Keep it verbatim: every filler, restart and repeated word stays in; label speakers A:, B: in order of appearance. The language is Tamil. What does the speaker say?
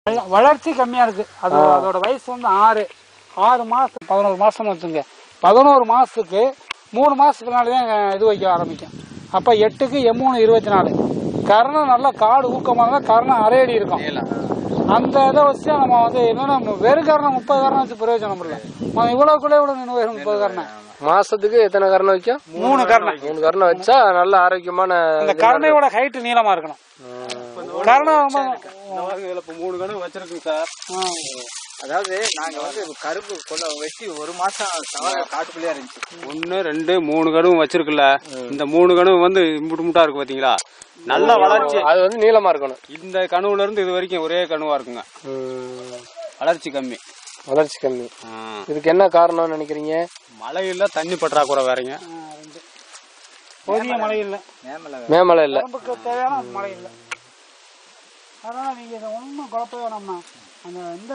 A: வளர்ச்சி கம்மியா இருக்கு. அது அதோட வயசு வந்து ஆறு ஆறு மாசம் பதினோரு மாசம்னு வச்சுங்க. பதினோரு மாசத்துக்கு மூணு மாசத்துக்குனாலதான் இது வைக்க ஆரம்பிக்கும். அப்ப எட்டுக்கு எம்மூணு இருபத்தி நாலு கரணம் நல்லா காடு ஊக்கமாக கரணம் அரையடி இருக்கும். அந்த இதை வச்சு நம்ம வந்து என்னன்னா வெறும் கரணம் முப்பது கரணம் வச்சு பிரயோஜனம் இல்லை. இவ்வளவுக்குள்ளே கூட நின்று வரும் முப்பது கரணம்.
B: மாசத்துக்கு எத்தனை கரணம் வைக்கும்?
A: மூணு கரணம்.
B: மூணு கரணம் வச்சா நல்ல ஆரோக்கியமான.
A: இந்த கரணையோட ஹைட் நீளமா இருக்கணும். கரணம்
C: மூணு கணம் வச்சிருக்குங்க சார். அதாவது நாங்க வந்து கரும்பு கொள்ள வெட்டி ஒரு மாசம் காட்டுக்குள்ளேயே இருந்துச்சு. ஒன்னு ரெண்டு மூணு கனவு வச்சிருக்குல்ல. இந்த மூணு கனவு வந்து முட்டு முட்டா இருக்கு பாத்தீங்களா, நல்ல வளர்ச்சி.
B: அது வந்து நீளமா இருக்கணும்.
C: இந்த கனவுல இருந்து இது வரைக்கும் ஒரே கனவா இருக்குங்க. வளர்ச்சி கம்மி.
B: வளர்ச்சி கம்மி. இதுக்கு என்ன காரணம்னு நினைக்கிறீங்க?
C: மழை இல்ல, தண்ணி பற்றாக்குறை வேறங்க.
A: போதிய மழை இல்ல,
B: மேமழை இல்ல,
A: தேவையான மழை இல்ல. அதனால நீங்க ஒன்னும் குழப்பம் வேணாம்னா அந்த